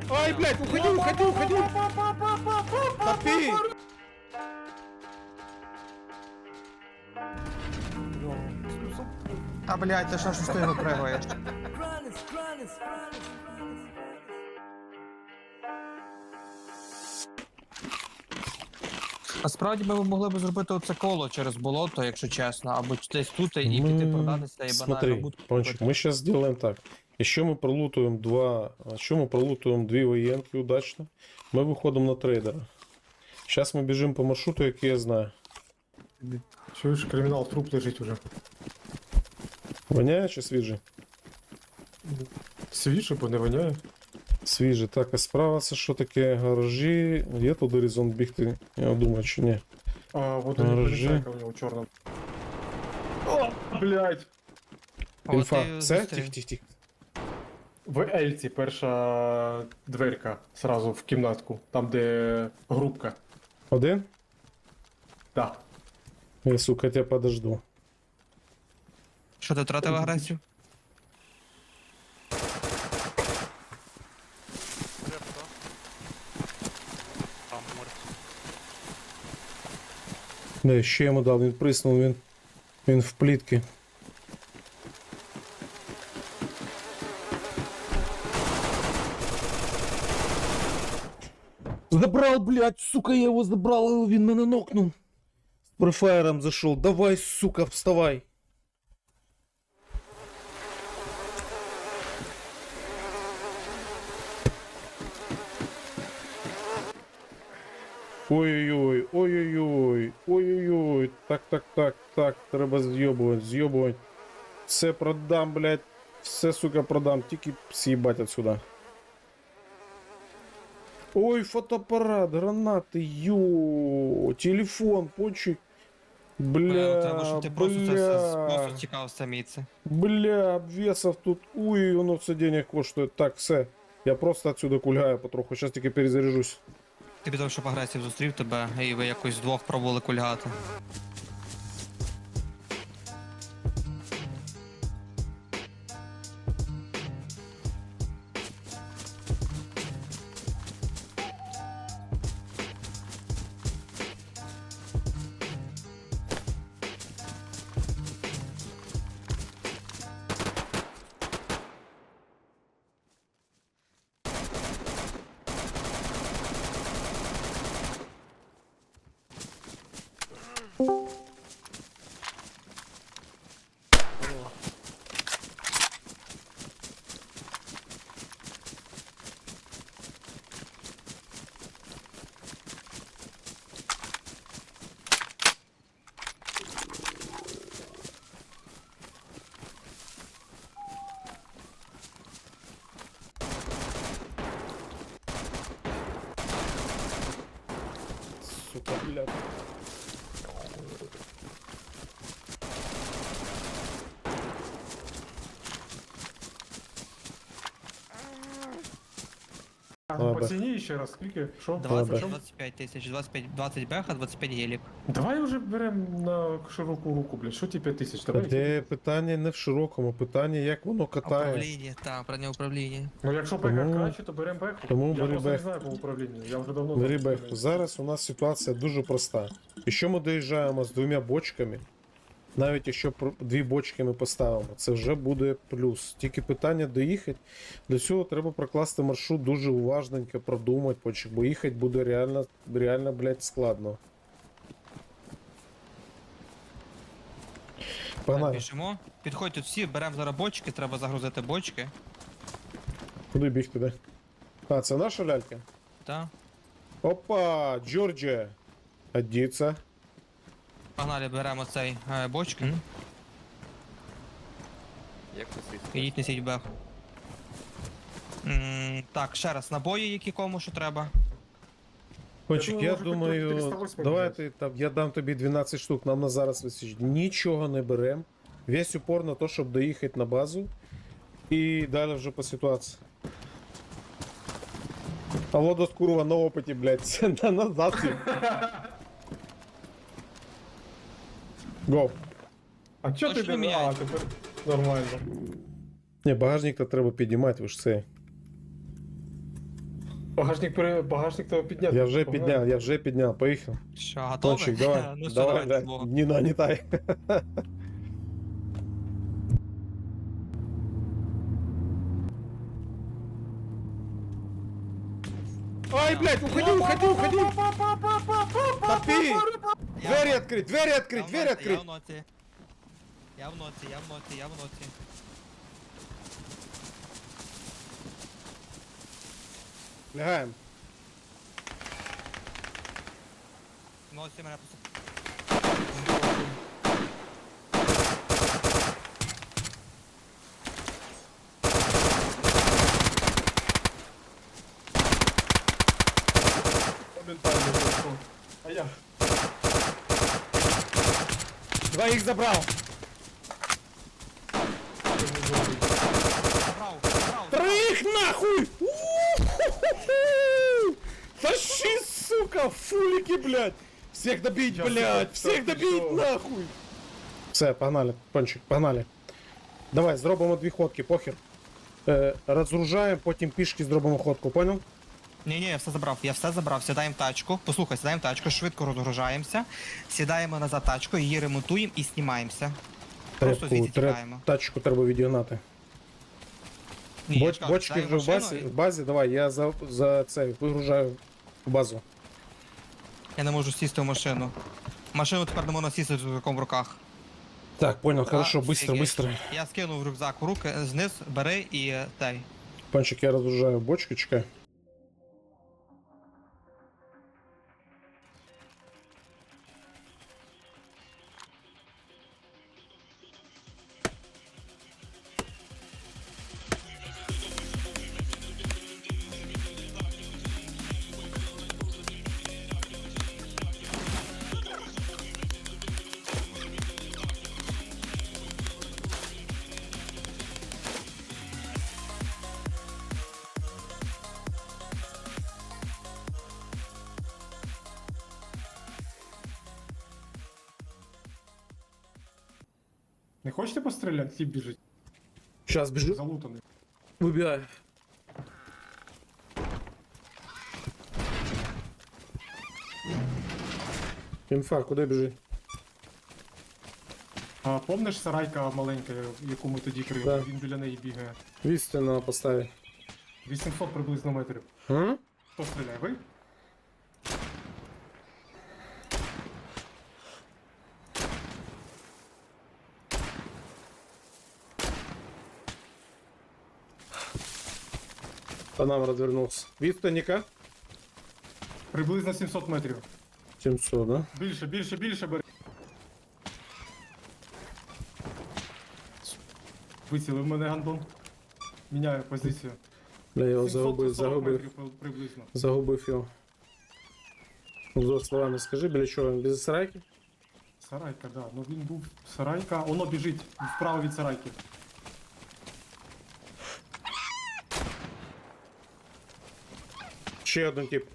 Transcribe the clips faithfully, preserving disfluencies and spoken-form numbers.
Ай, блядь, уходи, уходи, уходи! Топи! А, блядь, ти що ж ти випригуєш? Насправді ми могли б зробити оце коло через болото, якщо чесно, або десь тут і піти продатися і банально Смотри, будку Пончик, купити. мы сейчас сделаем так. Еще мы пролутуем два, еще мы пролутуем две военки удачно. Мы выходим на трейдера. Сейчас мы бежим по маршруту, який я знаю. Чуєш, кримінал, труп лежить уже. Воняє чи свіжий? Свіже, бо не воняє. Свіжий. Так, а справа це що таке? Гаражі. Є тут горизонт бігти? Я думаю, чи ні. А, вот он Гаражі. полицайка у нього чорна. О, блядь! От Інфа. і Все? зустрів. Тих, тих, тих. В Ельці перша дверка сразу в кімнатку, там де групка. Один? Да. Я, сука, тебя подожду. Що ти втратив агресію? Да, ще йому дав, він приснув, він, він в плітки. Забрал, блядь, сука, я его забрал, він мене нокнув. С префайером зашел, давай, сука, вставай. Ой-ой-ой, ой-ой-ой, ой-ой-ой, так, так, так, так, треба з'єбувати, з'єбувати. Все продам, блядь, все, сука, продам, тільки съебать отсюда. Ой, фотоаппарат, гранаты, ё, телефон, Пончик. Бля, Треба, щоб ти просто це бля, просто тікав самі це. бля, обвесов тут, ой, воно все денег коштує. Так, все, я просто отсюда кульгаю потроху, сейчас тільки перезаряжусь. Ти підав, щоб агресів зустрів тебе, і ви якось вдвох пробували кульгати. Сука, блядь. А, Ладно. по ціні ще раз, скільки? Що? двадцять, Що? двадцять п'ять тисяч, двадцять п'ять, двадцять беха, двадцять п'ять гелік. Давай вже беремо на широку руку, блядь. Що ті п'ять тисяч? Та Давай. де питання не в широкому, питання як воно катає. Управління, так, правильне управління. Ну якщо беха Тому- краще, то беремо беху. тому Я бери просто не беху. знаю по управлінню, я вже давно... Бери там беху. Зараз у нас ситуація дуже проста. Якщо ми доїжджаємо з двома бочками, навіть якщо про- дві бочки ми поставимо, це вже буде плюс. Тільки питання доїхати. Для цього треба прокласти маршрут дуже уважненько, продумати, почек, бо їхати буде реально, реально, блядь, складно. Так, Погнали. біжимо. Підходь тут всі, беремо зараз бочки, треба загрузити бочки. Куди бігти, де? А, це наша лялька? Так. Опа, Джорджія. Одіться. Погнали, беремо цей е, бочки. Як це Ідіть, несіть бех. М, Так, ще раз, набої, які кому що треба. Кончик, думаю, я може, думаю, чотириста восьмий давайте там, я дам тобі дванадцять штук, нам на зараз висить. Нічого не берем. Весь упор на то, щоб доїхати на базу. І далі вже по ситуації. А Лодос курва на опиті, блядь, на назад. Го. А чо ти Точно не... А, міняють? тепер нормально. Не, багажник то треба підіймати, ви ж це. Багажник, пере... Багажник треба підняти. Я вже Погнали. підняв, я вже підняв, поїхав. Що, готові? Пончик, давай, ну що, давай, давайте давай, злого. не нагнітай. Ай, блядь, уходи, уходи, уходи! Топи! Я- Двері відкрить, двері Я відкрить, в двері ноці, відкрить! Я в ноці. Я в ноці, я в ноці, я в ноці. Лягаємо. В ноці мене просто... Моментально зайшов. А я. Двоїх забрав. Забрав, забрав. Троих нахуй! У-ху-ху-ху! Тащи, сука, фулики, блядь! Всех добить, Сейчас, блядь! сейчас, Всех сейчас, добить, всё. нахуй! Все, погнали, пончик, погнали. Давай, зробимо дві ходки, похер. Е, розгружаємо, потім пішки зробимо ходку, понял? Ні, ні, я все забрав, я все забрав. Сідаємо в тачку. Послухай, сідаємо в тачку, швидко розгружаємося. Сідаємо назад в тачку, її ремонтуємо і знімаємося. Просто звідси тікаємо. тачку треба відігнати. Ні, я Боч, ж кажу, бочки сідаємо вже в базі, машину в базі, давай, я за, за це вигружаю в базу. і- Я не можу сісти в машину. Машину тепер не можна сісти з рюкзаком в руках. Так, понял, хорошо, А, быстро, офігеть. быстро. Я скинув рюкзак в руки, зниз, бери і е, дай. Пончик, я розгружаю бочки, чекай. Не хочете постріляти? Тіп біжить. Сейчас бежу. Залутаний. Выбирай. Інфа, куди біжить? А помниш сарайка маленька, яку ми тоді крили? Да. Він біля неї бігає. Вісти на поставі. вісімсот приблизно метрів. М? Хто стріляє? Ви? По нам розвернувся. Відстаніка? Приблизно сімсот метрів. сімсот, да? Більше, більше, більше бери. Вицілив мене гандон. Міняю позицію. Бля, я його сімсот загубив, сорок загубив. метрів при- приблизно. Загубив його. Двома словами скажи, біля чого він? Без сарайки? Сарайка, да. Ну він був сарайка. Воно біжить вправо від сарайки. Ще один тип.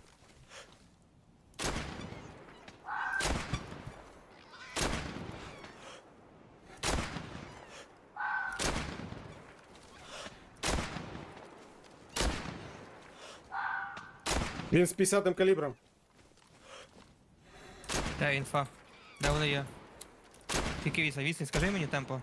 Він з п'ятдесятим калібром. Де інфа? Де вони є? Тільки віса, вісім, скажи мені темпо.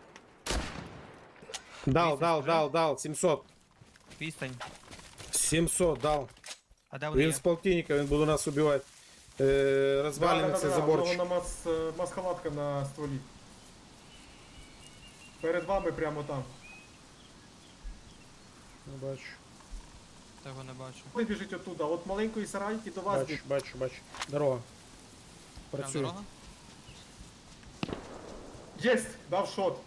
Дал, Вісім, дал, скажи. дал, дал, сімсот. Відстань. сімсот дал. А де вони Він є? з полтинника, він буде нас убивати. Е, розвалює цей У заборчик. нього на мас, е, масхалатка на стволі. Перед вами прямо там. Не бачу. Того не бачу. Ви біжить оттуда. От маленької сарайки до вас Бачу, біг. бачу, бачу. Дорога. Прям Працює. дорога? Єсть! Дав шот.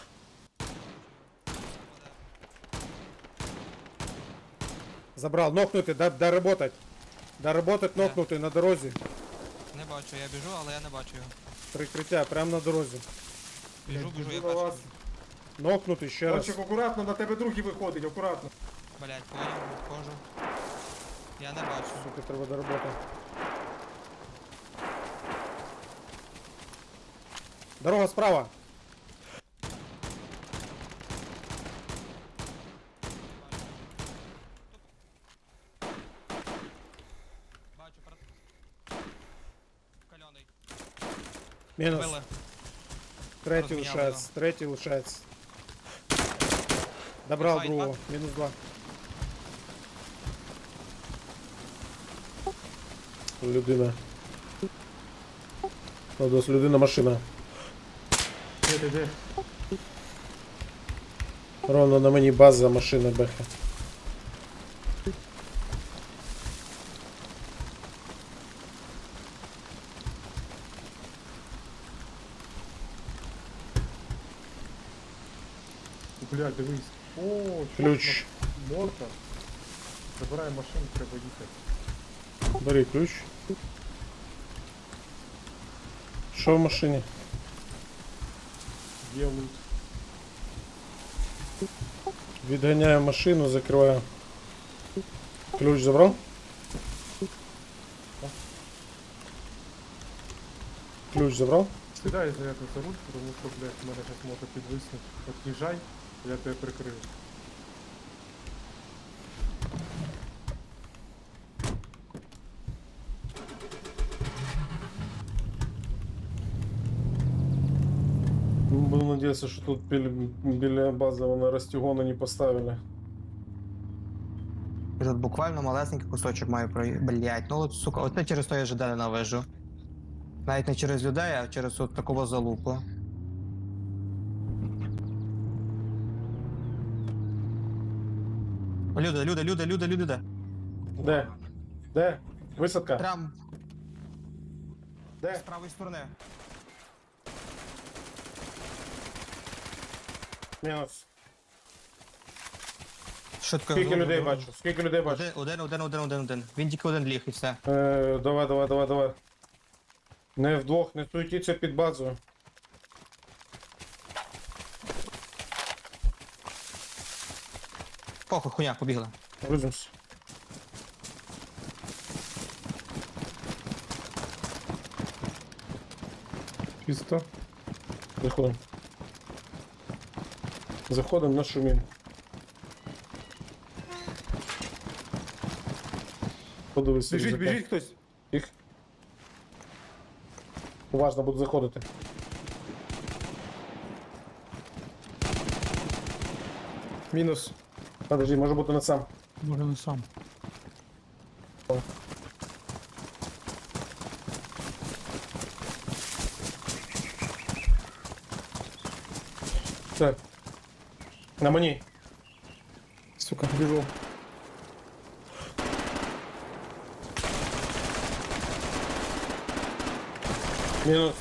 Забрал, нокнутый, да, доработать. Доработать, Да. нокнутый на дорозі. Не бачу, я біжу, але я не бачу його. Прикриття, прямо на дорозі. Біжу, біжу, я Біжу на вас. бачу. Нокнутий ще раз. Кончик, акуратно, на тебе другий виходить, акуратно. Блять, понял, відходжу. Я не бачу. Сука, треба доработати. Дорога справа. Мінус. Били. Третій Розміняли лишається, третій лишається. Добрав Файт, другого, мінус два. Людина. Ладос, людина, машина. Де, де, де? Ровно на мені база, машина, беха. Блядь, дивись. О, Ключ. Морта. Забирай машину, треба їхати. Бери ключ. Що в машині? Є лут. Відганяю машину, закриваю. Ключ забрав? Ключ забрав? Сідай зарядно за руль, тому що, блядь, в мене зараз мото підвиснуть. От'їжджай, я тебе прикрию. Буду надеяться, що тут біля, біля бази вони розтягони не поставили. І тут буквально малесенький кусочок маю прої... Блять, ну от, сука, оце через то я ЖД ненавижу. Навіть не через людей, а через от такого залупу. Люди, люди, люди, люди, люди, де? Де? Де? Висадка? Прям з Де? правої сторони. Мінус. Швидко. Скільки зроблю, людей зроблю. бачу? Скільки людей бачу? Один, один, один, один, один, один. Він тільки один ліг і все. Е, давай, давай, давай, давай. Не вдвох, не суетіться під базою. Похуй, хуйня, побігли. Грузимось. Чисто. Заходимо. Заходимо на шумін. Подивись. Біжить, рюкзака. біжить хтось. Їх. Уважно буду заходити. Мінус. Подожди, може бути не сам. Може не сам. Так. На мені. Сука, біжу. Мінус.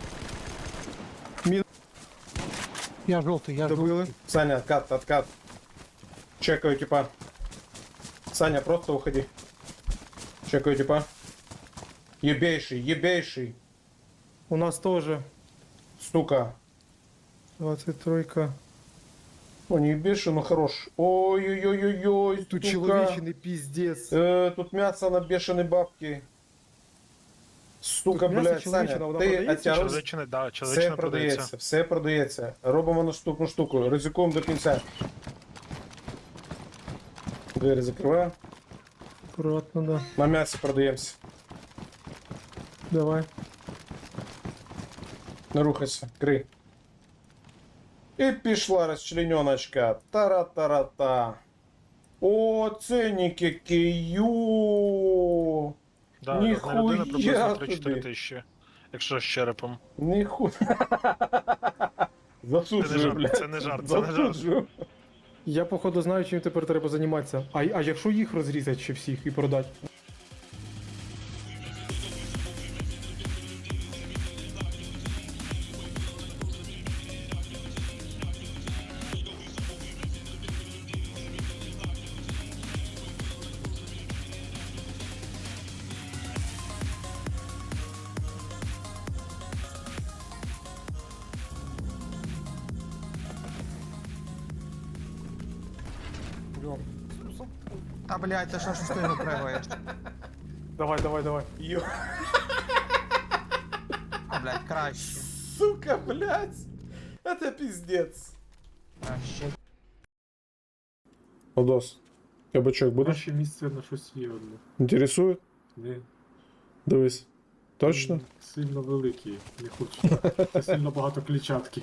Я желтый, я желтый. Добили. Саня, откат, откат. Чекаю типа. Саня, просто уходи. Чекаю типа. Ебейший, ебейший. У нас теж Сука. двадцять три. О, не ебейший, но хорош. Ой-ой-ой-ой-ой. Тут сука. чоловічний піздець. Э, тут мясо на бешеной бабки. Сука, Тут м'ясо блядь, Саня, чоловіче, вона ти продається? оттягнувся. Чоловічне, да, Все чоловічне продається, продається. все продається. Робимо наступну штуку. Ризикуємо до кінця. Двері закриваю. Аккуратно, да. На м'ясі продаємося. Давай. Не рухайся, крий. І пішла розчлененочка. Тара-тара-та. О, ценники кию. Да, Ніхуя одна людина приблизно собі. три-чотири тисячі, якщо з черепом. Ніхуя. Засуджую, жарт, блядь. це не жарт, це не жарт. Засуджую. Я походу знаю, чим тепер треба займатися. А, а якщо їх розрізати ще всіх і продати? Та блять, ти що ж ти не пригаєш? Давай, давай, давай. Ё, А, блять, краще. сука, блядь. Это пиздец. Краще. Одос, кабачок будеш? Наше місце на щось є одне. Інтересує? Ні. Дивись. Точно? М, Сильно великий, не хочу. Це сильно багато клітчатки.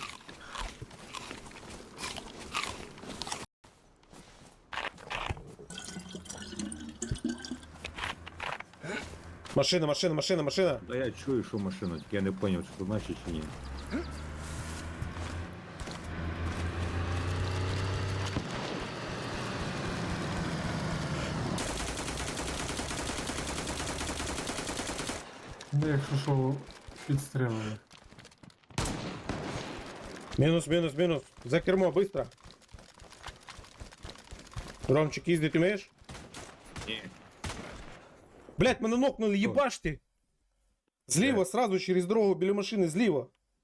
Машина, машина, машина, машина. Да я чую, що машина, тільки я не зрозумів, що значить чи ні. Ну, якщо що, підстрелили. Мінус, мінус, мінус. За кермо, быстро. Ромчик, їздить умеєш? Ні. Блять, мене нокнули, єбаш ти! Зліва, сразу через дорогу біля машини, зліва.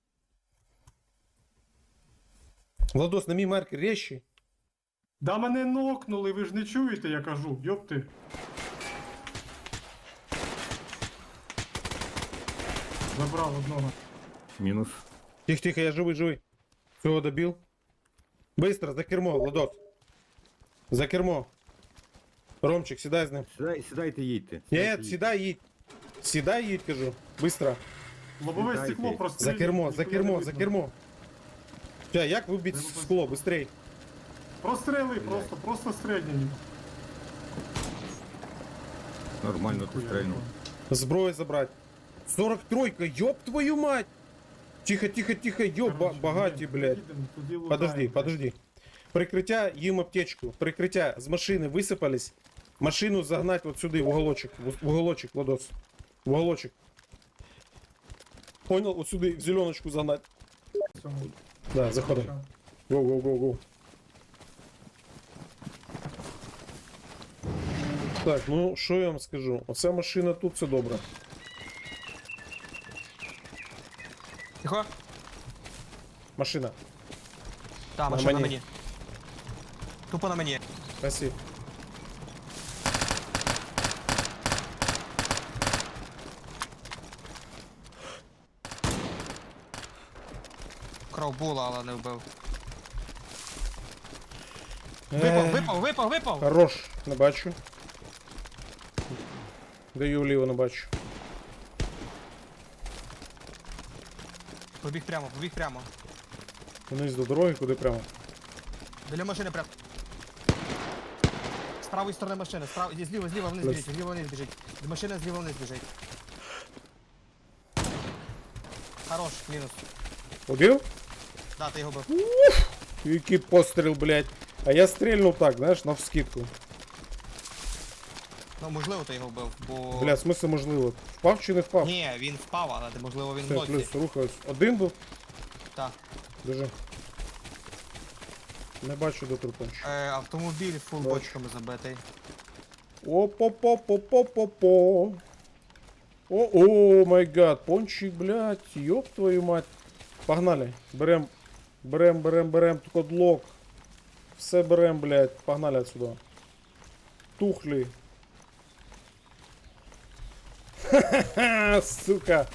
Владос, на мій маркер резче. Да мене нокнули, ви ж не чуєте, я кажу, йопти. Забрав одного. Мінус. Тихо, тихо, я живий, живий. Всього добив. Быстро, за кермо, Владос. За кермо. Ромчик, сідай з ним. Сідай, сідайте, їдьте. Ні, Сідайте, їдьте. сідай, їдь. Сідай, їдь, кажу. Быстро. Лобове Сідайте. стекло просто. За кермо, за кермо, за кермо. Ща, як вибити Треба скло, быстрей. Прострели, просто, просто стрельні. Нормально ти стрельнув. Зброю забрать. сорок тройка, ёб твою мать! Тихо, тихо, тихо, ёб, ба- багаті, блядь. Подожди, подожди. Прикриття, їм аптечку. Прикриття, з машини висипались. Машину загнать вот сюди, в уголочек. В уголочек, Владос. В уголочек. Понял? Вот сюди, в зеленочку загнать. Да, заходим. Гоу, гоу, гоу, гоу. Так, ну що я вам скажу? Оця машина тут, це добре. Тихо. Машина. Так, На машина на мені. мені. Тупо на мені. Спасибо. Кров була, але не вбив. Е, Випав, випав, випав, випав! Хорош, не бачу. Даю вліво, не бачу. Побіг прямо, побіг прямо. Вниз до дороги, куди прямо. Біля машини прямо. З правої сторони машини, справа, зліва, зліва вниз Плюс. біжить, зліва вниз біжить. З машини зліва вниз біжить. Хорош, мінус. Убив? Да, ти його бив. Який постріл, блядь. А я стрільнув так, знаєш, навскидку. Ну, можливо, ти його вбив, бо... Бля, смисл можливо. Впав чи не впав? Ні, він впав, але можливо він в Все, ноці. плюс, рухаюсь. Один був? Так. Держи. Не бачу до трупончика. Е, автомобіль фул Бачу. бочками забитий. О-по-по-по-по-по-по. О, май гад, пончик, блядь, ёб твою мать. Погнали. Берем, берем, берем, берем кодлок. Все берем, блядь. Погнали отсюда. Тухли. Ха-ха-ха, сука.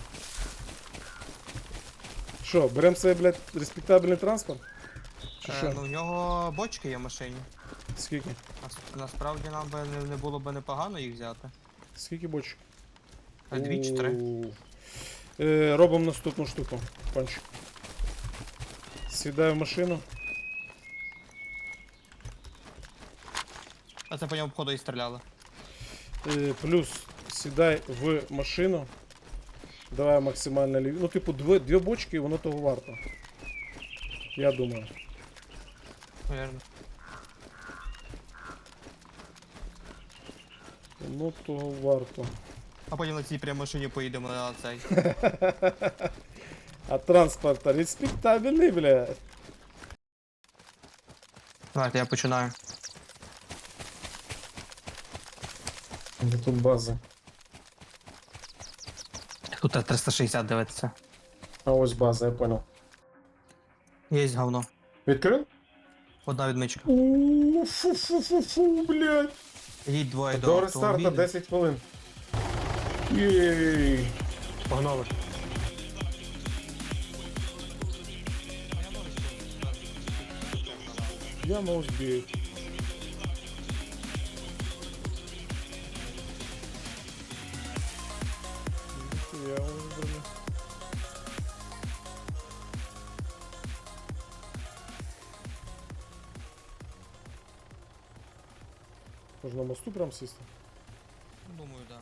Що, берем себе, блядь, респектабельний транспорт? Чи Е, що? ну, в нього бочки є в машині. Скільки? Нас- Насправді нам би не, не було б непогано їх взяти. Скільки бочок? А дві чи три? У. Е, робимо наступну штуку. Панчик. Сідаю в машину. А це по ньому входу і стріляли. Е, плюс сідай в машину. Давай максимально ліві. Ну, типу, дві, дві бочки, і воно того варто. Я думаю. Наверно. Воно того варто. А потім на цій прямій машині поїдемо на цей. А транспорта респектабельний, бля. Давайте, я починаю. Де тут база? Тут триста шістдесят дивиться. А ось база, я понял. Є говно. Відкрив? Одна відмичка. Ууу, фу-фу-фу-фу, блядь. Їдь двоє до До рестарта автомобіля. десять хвилин. Єй. Погнали. Я на узбію. Можна на мосту прям сісти. Думаю, да.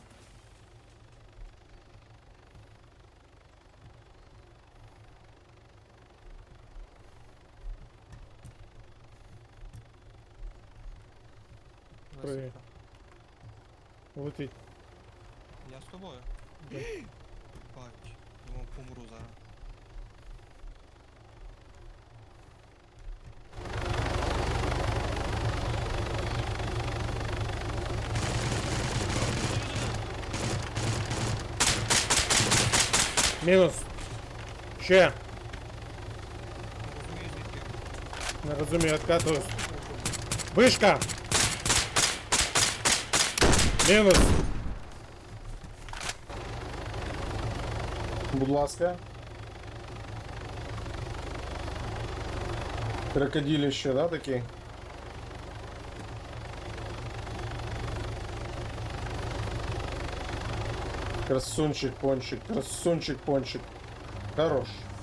При- Високо. Летить. Я з тобою. Да. Бач, думав, помру зараз. Мінус. Ще. Не розумію звідки. Не розумію, откатываюсь. Вишка! Мінус. Будь ласка. Крокодилище, да, такі? Красунчик, пончик, красунчик, пончик. Хорош.